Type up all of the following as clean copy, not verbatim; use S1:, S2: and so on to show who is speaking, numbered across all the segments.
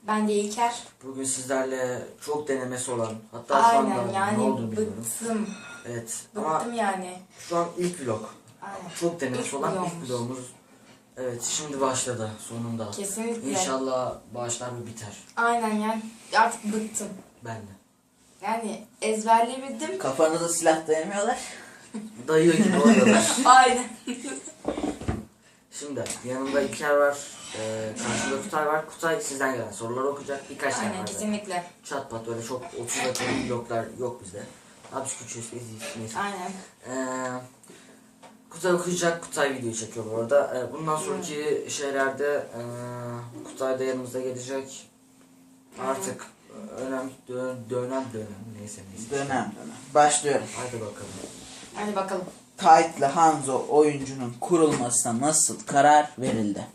S1: Ben de İlker.
S2: Bugün sizlerle çok denemesi olan, hatta şu
S1: Aynen
S2: anda
S1: yani
S2: ne olduğunu bilmiyorum.
S1: bıktım.
S2: Evet
S1: Bıktım
S2: ama
S1: yani.
S2: şu an ilk vlog.
S1: Aynen.
S2: Çok denemesi
S1: İlk
S2: olan
S1: vlogumuz.
S2: ilk vlogumuz. Evet, şimdi başladı sonunda.
S1: Kesinlikle.
S2: İnşallah başlar ve biter.
S1: Aynen yani artık bıktım.
S2: Ben de.
S1: Yani ezberleyebildim.
S3: Kafanıza silah dayamıyorlar.
S2: Dayıyor gibi oluyorlar.
S1: Aynen.
S2: Şimdi yanımda İlker var. Karşımda Kutay var. Kutay sizden gelen soruları okuyacak. Birkaç tane
S1: Aynen
S2: var.
S1: kesinlikle.
S2: Çat pat öyle çok 30 dakikalık vloglar yok bizde. Abi biz küçüğüz. Neyse.
S1: Aynen.
S2: Kutay okuyacak, Kutay video çekiyor bu arada. Bundan sonraki şeylerde Kutay da yanımıza gelecek. Artık dönem neyse.
S3: Dönem. Başlıyorum.
S2: Hadi bakalım.
S1: Hadi bakalım.
S3: Tight'lı Hanzo oyuncunun kurulmasına nasıl karar verildi?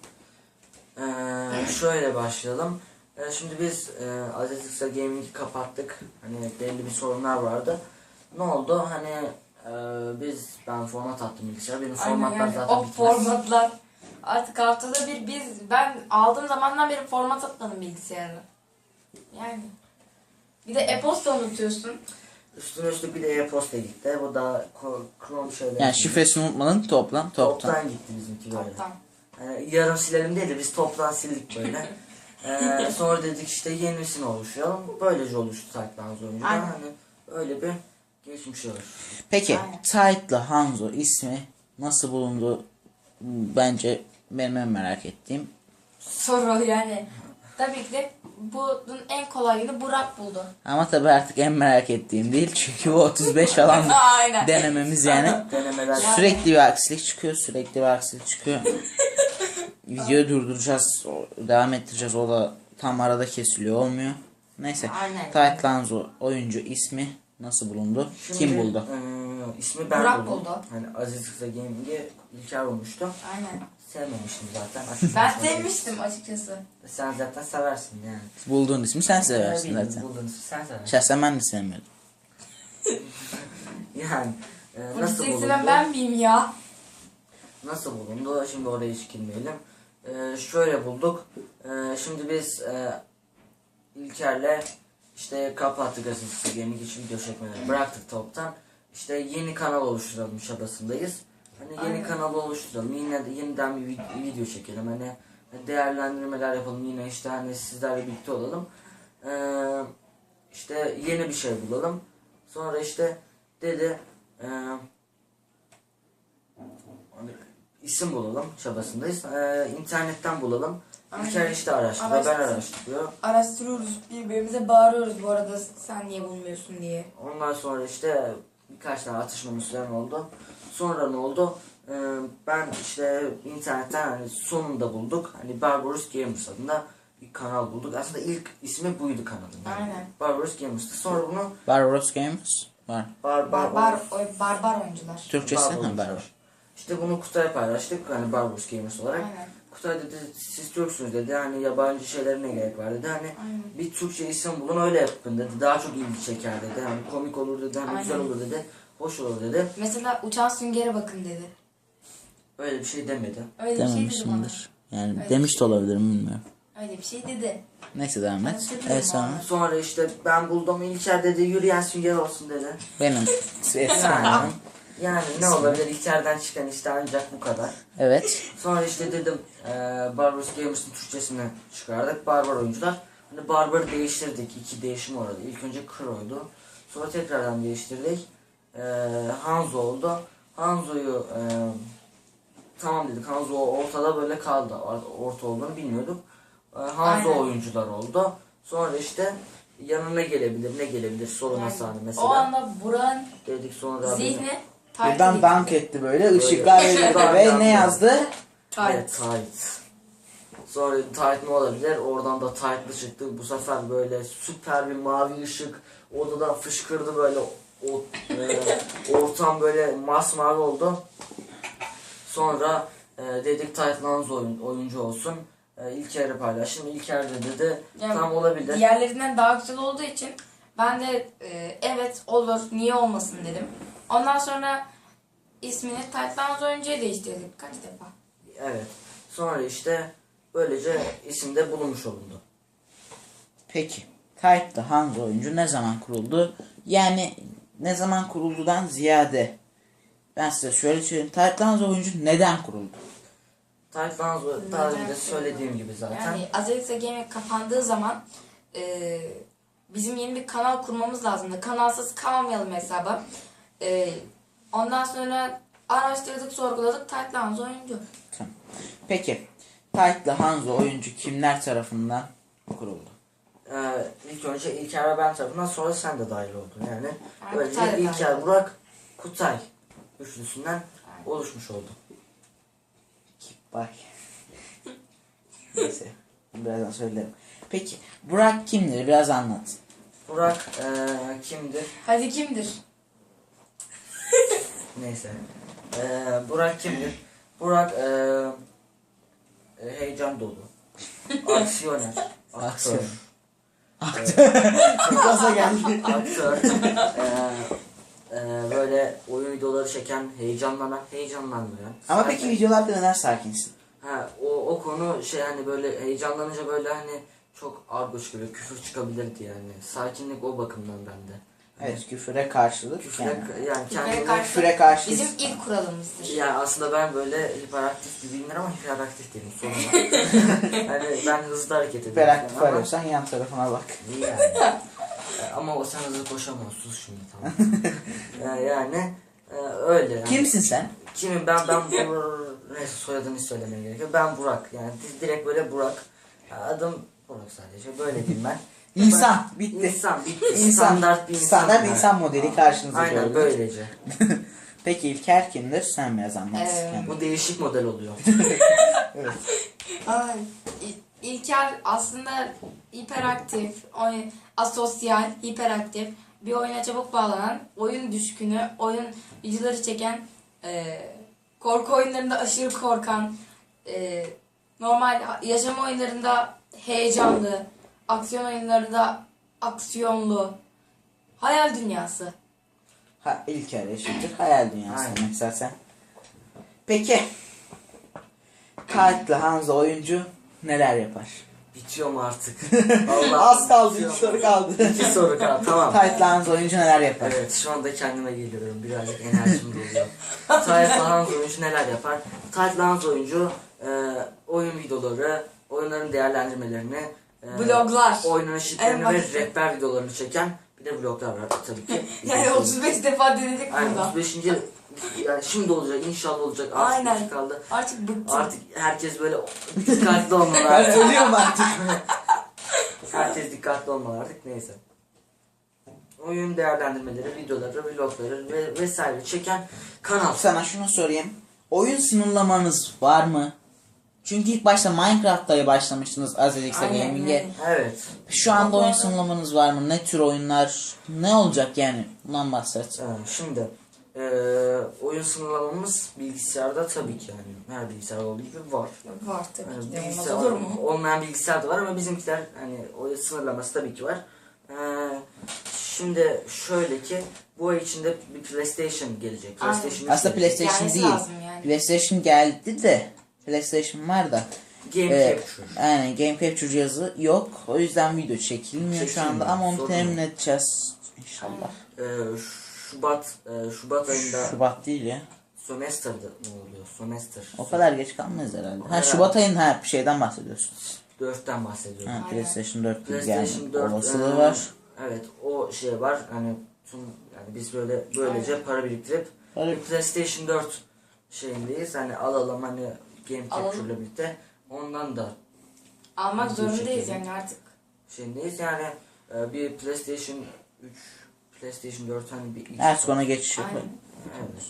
S2: Şöyle başlayalım. Şimdi biz Azizlik'sa Gaming'i kapattık. Hani belli bir sorunlar vardı. Ne oldu? Hani ben format attım bilgisayara. Benim
S1: Aynen
S2: formatlar
S1: yani
S2: zaten
S1: o
S2: bitmez.
S1: formatlar. Artık haftada bir ben aldığım zamandan beri format atmadım bilgisayarı. Yani. Bir de e-posta unutuyorsun.
S2: Üstüne üstlük bir de e-posta gitti. Bu da Chrome şeyleri.
S3: Yani şifresini unutmadın toptan.
S2: Toptan gitti bizimki böyle.
S1: Toptan.
S2: Yani yarım silelim değil de biz toptan sildik böyle. Sonra dedik işte yenisini oluşturalım. Böylece oluştu Tight'lı oyuncu.
S1: Aynen.
S2: Hani öyle bir geçmiş olur.
S3: Peki
S1: Aynen.
S3: Tight'lı Hanzo ismi nasıl bulundu? Bence benim en merak ettiğim.
S1: Soru yani. Tabii ki de bunun en kolayını Burak buldu.
S3: Ama tabii artık en merak ettiğim değil. Çünkü bu 35 falan
S1: Aynen.
S3: denememiz yani.
S2: Denemeler.
S3: Sürekli bir aksilik çıkıyor. Sürekli bir aksilik çıkıyor. Videoyu durduracağız. Devam ettireceğiz. O da tam arada kesiliyor. Olmuyor. Neyse.
S1: Aynen.
S3: Tight'lı Hanzo oyuncu ismi nasıl bulundu?
S2: Şimdi,
S3: Kim buldu?
S2: İsmi ben
S1: Burak
S2: buldum.
S1: buldu.
S2: Hani Aziz Kısa Gaming'i İlker bulmuştu.
S1: Aynen.
S2: Sevmemiştim zaten.
S1: Ben sevmiştim açıkçası.
S2: Sen zaten seversin yani.
S3: Bulduğun ismi sen
S2: Ne
S3: seversin
S2: bileyim,
S3: zaten.
S2: bulduğun ismi sen seversin.
S3: Şahsen ben de sevmiyordum.
S2: Yani
S1: Bu
S2: nasıl
S1: dizisi
S2: bulundu?
S1: ben miyim ya?
S2: Nasıl bulundu? Şimdi oraya hiç girmeyelim. Şöyle bulduk. Şimdi biz İlker'le işte kapattık Aziz Kısa Gaming için video çekmeleri bıraktık toptan. İşte yeni kanal oluşturalım çabasındayız. Hani yeni
S1: Aynen.
S2: kanalı oluşturalım. Yeniden bir video çekelim. Hani değerlendirmeler yapalım. Yine işte hani sizlerle birlikte olalım. İşte yeni bir şey bulalım. Sonra işte dedi isim bulalım çabasındayız. İnternetten bulalım.
S1: Aynen.
S2: İlker işte araştırıyor. Ben araştırıyor.
S1: Araştırıyoruz, birbirimize bağırıyoruz bu arada sen niye bulmuyorsun diye.
S2: Ondan sonra işte birkaç tane atışmamız falan oldu. Sonra ne oldu? Ben işte internetten hani sonunda bulduk. Hani Barbaros Gamers adında bir kanal bulduk. Aslında ilk ismi buydu kanalın. Yani.
S1: Aynen.
S2: Barbaros Gamers'tı. Sonra bunu
S3: Barbaros Games var.
S1: Barbar oyuncular.
S3: Türkçesi
S2: Barbaros.
S3: mi Barbaros?
S2: İşte bunu Kutay'a paylaştık. Hani Barbaros Gamers olarak.
S1: Aynen.
S2: Kutay dedi siz Türksünüz dedi. Hani yabancı şeylere ne gerek var dedi. Hani
S1: Aynen.
S2: bir Türkçe isim bulun öyle yapın dedi. Daha çok ilgi çeker dedi. Hani komik olur dedi. Hani güzel
S1: Aynen.
S2: olur dedi. Hoş olur dedi.
S1: Mesela uçan süngere bakın dedi.
S2: Öyle bir şey demedi.
S1: Öyle bir şey dedi bana.
S3: Dememişimdir. Yani
S1: Öyle
S3: demiş
S1: bir
S3: de olabilirim bilmiyorum.
S1: Öyle bir şey dedi.
S3: Neyse devam et.
S1: Hatırlıyorum
S3: Evet sonra.
S1: abi.
S2: Sonra işte ben buldum İlker dedi yürüyen sünger olsun dedi.
S3: Benim ses
S2: Yani, yani ne olabilir İlker'den çıkan işte ancak bu kadar.
S3: Evet.
S2: Sonra işte dedim Barbaros Gamers'ın Türkçesini çıkardık. Barbar oyuncular. Hani Barbar'ı değiştirdik. 2 değişim oldu. İlk önce Kro'ydu. Sonra tekrardan değiştirdik. Hanzo oldu. Hanzo'yu tamam dedik. Hanzo ortada böyle kaldı. Orta olduğunu bilmiyorduk. Hanzo
S1: Aynen.
S2: oyuncular oldu. Sonra işte yanına ne gelebilir sorun
S1: Yani
S2: sahne mesela.
S1: o anda Burak'ın
S2: Dedik sonra
S1: zihni
S3: Birden dank etti böyle. Işıklar
S2: Böyle.
S3: verildi ve ne yazdı?
S2: Evet, tight. Sonra tight ne olabilir? Oradan da tight'lı çıktı. Bu sefer böyle süper bir mavi ışık odadan fışkırdı böyle ortam böyle masmavi oldu. Sonra dedik tight'lı oyuncu olsun. İlker'i paylaştım. İlker de dedi
S1: Yani
S2: tam olabilir.
S1: diğerlerinden daha güzel olduğu için ben de evet olur niye olmasın dedim. Ondan sonra ismini Taytlanız oyuncuya değiştirdik kaç defa.
S2: Evet. Sonra işte böylece isimde bulunmuş olundu.
S3: Peki. Kayıtlı Hanzo oyuncu ne zaman kuruldu? Yani ne zaman kuruldudan ziyade ben size şöyle söyleyeyim. Kayıtlı Hanzo oyuncu neden kuruldu?
S2: Tayfan daha önce de söylediğim gibi zaten.
S1: Yani Azerixa Gaming kapandığı zaman bizim yeni bir kanal kurmamız lazımdı. Kanalsız kalmayalım hesaba. Ondan sonra araştırdık, sorguladık. Titlehouse oyuncu.
S3: Tamam. Peki. Kayıtlı Hanzo oyuncu kimler tarafından kuruldu?
S2: İlk önce İlker ve ben tarafından, sonra sen de dahil oldun. Yani
S1: Yani
S2: böylece
S1: Kutay da dahil
S2: İlker,
S1: oldu.
S2: Burak, Kutay üçlüsünden oluşmuş oldu.
S3: Bak. Neyse. Birazdan söylerim. Peki. Burak kimdir? Biraz anlat.
S2: Burak kimdir?
S1: Hadi kimdir?
S2: Neyse. Burak kimdir? Burak heyecan dolu. Aksiyoner. Aktör.
S3: Gaza geldi.
S2: Aktör. Böyle oyun videoları çeken, heyecanlanmayan.
S3: Ama peki videolarda neden sakinsin?
S2: Ha, o konu şey, hani böyle heyecanlanınca böyle hani çok argo çıkıyor, küfür çıkabilirdi yani. Sakinlik o bakımdan bende.
S3: Evet, küfüre karşılık.
S2: Küfre,
S3: Yani.
S2: yani kendime
S3: Küfüre karşı.
S1: Bizim ilk kuralımızdır.
S2: yani aslında ben böyle hiperaktif gibiyimdir ama hiperaktif değilim sonunda. Hani ben hızlı hareket ediyorum.
S3: Hiperaktif
S2: ama-
S3: arıyorsan yan tarafına bak.
S2: Yani. Ama o sen hızlı koşamıyorsun şimdi, tamam. Yani öyle. Yani.
S3: Kimsin sen?
S2: Kimim ben neyse, soyadını söylemeye gerekiyor. Ben Burak, yani direkt böyle Burak. Adım Burak sadece, böyle diyeyim ben.
S3: İnsan. Bitti.
S2: İnsan bitti.
S3: İnsan.
S2: Standart bir insan.
S3: Standart
S2: yani.
S3: insan modeli karşınıza
S2: Aynen
S3: gördük.
S2: böylece.
S3: Peki İlker kimdir? Sen biraz anlat. Yani.
S2: Bu değişik model oluyor.
S1: Ay, İlker aslında hiperaktif, asosyal, hiperaktif, bir oyuna çabuk bağlanan, oyun düşkünü, oyun videoları çeken, korku oyunlarında aşırı korkan, normal yaşam oyunlarında heyecanlı, aksiyon oyunlarında aksiyonlu, hayal dünyası.
S3: Ha, İlker eşittir. Hayal dünyası
S2: Aynen.
S3: demek zaten. Peki. Kayıtlı Hanzo oyuncu neler yapar?
S2: Bitiyor mu artık? Vallahi
S3: Az kaldı.
S2: bitiyor.
S3: 2 soru kaldı.
S2: 2 soru kaldı, tamam.
S3: Kayıtlı Hanzo oyuncu neler yapar?
S2: Evet, şu anda kendime geliyorum. Birazcık enerjim doluyor. Tayfan Hans oyuncu neler yapar? Tayfan Hans oyuncu oyun videoları, oyunların değerlendirmelerini,
S1: Bloglar.
S2: oyunun
S1: En
S2: eşitlerini ve
S1: basit.
S2: rehber videolarını çeken bir de vloglar var tabii ki.
S1: Yani 35 defa denedik
S2: Aynen,
S1: burada.
S2: 35. Yani şimdi olacak, inşallah olacak. Artık
S1: Aynen.
S2: bir şey kaldı.
S1: Artık bıktım.
S2: Artık herkes böyle dikkatli olmalı
S3: Ben
S2: artık.
S3: ölüyorum artık.
S2: Herkes dikkatli olmalı artık, neyse. Oyun değerlendirmeleri, videoları, vlogları ve vesaire çeken kanal.
S3: Sana şunu sorayım. Oyun sınırlamanız var mı? Çünkü ilk başta Minecraft'ta başlamıştınız Azerixa
S1: Aynen,
S3: Gaming'e.
S1: aynen.
S2: Evet.
S3: Şu anda oyun sınırlamanız var mı? Ne tür oyunlar? Ne olacak yani? Bundan bahset.
S2: Şimdi oyun sınırlamamız bilgisayarda tabii ki, yani her bilgisayar olduğu gibi var.
S1: Var tabii
S2: Yani
S1: ki de, olmaz
S2: bilgisayar
S1: olur mu?
S2: olmayan bilgisayar da var ama bizimkiler hani oyun sınırlaması tabii ki var. Şimdi şöyle ki bu ay içinde bir PlayStation gelecek.
S1: Aynen.
S2: PlayStation
S3: Aslında
S2: gelecek.
S3: PlayStation
S1: Gelmesi
S3: değil.
S1: lazım yani.
S3: PlayStation geldi de PlayStation var da.
S2: Game Capture.
S3: Aynen, Game Capture cihazı yok. O yüzden video çekilmiyor şu anda ama onu
S2: Sorun
S3: temin
S2: yok.
S3: edeceğiz inşallah.
S2: Şubat ayında
S3: Şubat değil ya.
S2: Sömestr'da ne oluyor? Sömestr.
S3: O kadar geç kalmayız herhalde. Ha,
S2: Herhalde.
S3: Şubat ayın şeyden bahsediyorsun.
S2: 4'ten bahsediyorum.
S3: Ha,
S1: Aynen.
S3: PlayStation 4 gibi
S2: PlayStation
S3: yani
S2: 4
S3: olasılığı var.
S2: Evet, o şey var. Hani yani biz böylece
S1: Aynen.
S2: para biriktirip
S3: Para-
S2: bir PlayStation 4 şeyindeyiz. Hani alalım, hani Game
S1: Alalım.
S2: Capture'la birlikte. Ondan da
S1: Almak
S2: Hızlı
S1: zorundayız
S2: çekelim.
S1: yani artık.
S2: şeyindeyiz. Yani bir PlayStation 3, PlayStation 4 hani bir ilk.
S3: Artık ona geçiş yapalım.
S1: Aynen.
S2: Evet.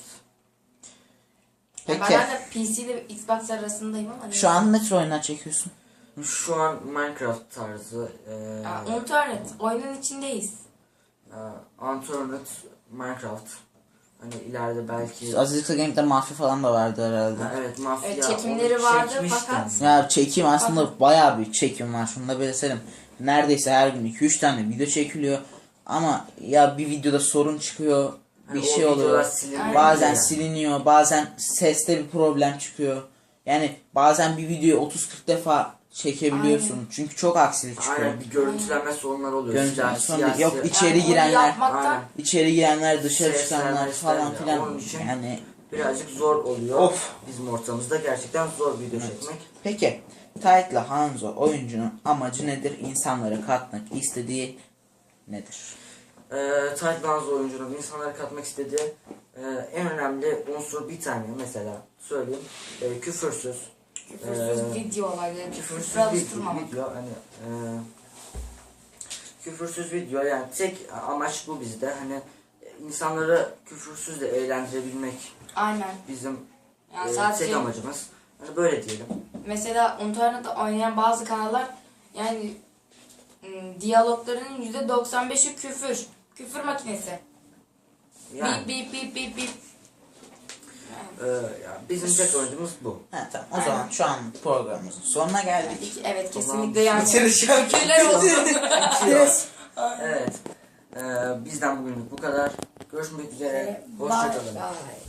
S1: Yani
S3: Peki.
S1: ben de PC ile Xbox arasındayım ama.
S3: Şu an ne tür oyunlar çekiyorsun?
S2: Şu an Minecraft tarzı,
S1: Internet. Oyunun içindeyiz.
S2: Unturned Minecraft. Hani ileride belki
S3: Azerixa Gaming'de mafya falan da vardı herhalde.
S2: evet, mafya
S1: Evet, çekimleri
S2: onu
S1: vardı
S2: çekmiştim.
S1: fakat-
S3: Ya çekim aslında bayağı bir çekim var. Şunu da belirtelim. Neredeyse her gün 2-3 tane video çekiliyor. Ama ya bir videoda sorun çıkıyor. Bir
S2: Hani
S3: şey
S2: o
S3: oluyor.
S2: videolar silinmiyor
S3: Bazen
S2: yani.
S3: siliniyor. Bazen seste bir problem çıkıyor. Yani bazen bir videoyu 30-40 defa çekebiliyorsun.
S1: Aynen.
S3: Çünkü çok aksilik çıkıyor.
S2: Aynen, bir görüntülenme sorunları oluyor.
S3: Görüntülenme
S2: Siyasi-
S3: sorunu yok, içeri
S1: Yani onu
S3: girenler,
S1: yapmaktan
S2: Aynen.
S3: içeri girenler, dışarı
S2: Sesler,
S3: çıkanlar
S2: mesler
S3: falan
S2: de.
S3: filan.
S2: Onun için
S3: Yani
S2: birazcık zor oluyor.
S3: Of.
S2: Bizim ortamımızda gerçekten zor video çekmek.
S3: peki Tait'la Hanzo oyuncunun amacı nedir? İnsanlara katmak istediği nedir?
S2: Titanz oyuncunun insanlara katmak istediği en önemli unsur bir tane mesela söyleyeyim. Küfürsüz.
S1: küfürsüz video olayları,
S2: Küfürsüz
S1: küfür alıştırmamak.
S2: video hani küfürsüz video yani tek amaç bu bizde hani insanları küfürsüz de eğlendirebilmek
S1: Aynen.
S2: bizim
S1: Yani sadece
S2: tek amacımız. Hani böyle diyelim.
S1: mesela internette oynayan bazı kanallar yani diyaloglarının %95'i küfür. Küfür makinesi.
S2: Yani
S1: Bip bip bip bip bip.
S2: yani bizim tek amacımız bu.
S3: Ha, tamam. O zaman şu an programımızın sonuna geldik.
S1: Evet
S2: O zaman
S1: kesinlikle yani.
S3: bitiriş
S1: Şükürler olsun.
S2: Evet. Bizden bugünlük bu kadar. Görüşmek üzere.
S1: Bye
S2: Hoşçakalın.
S1: bye.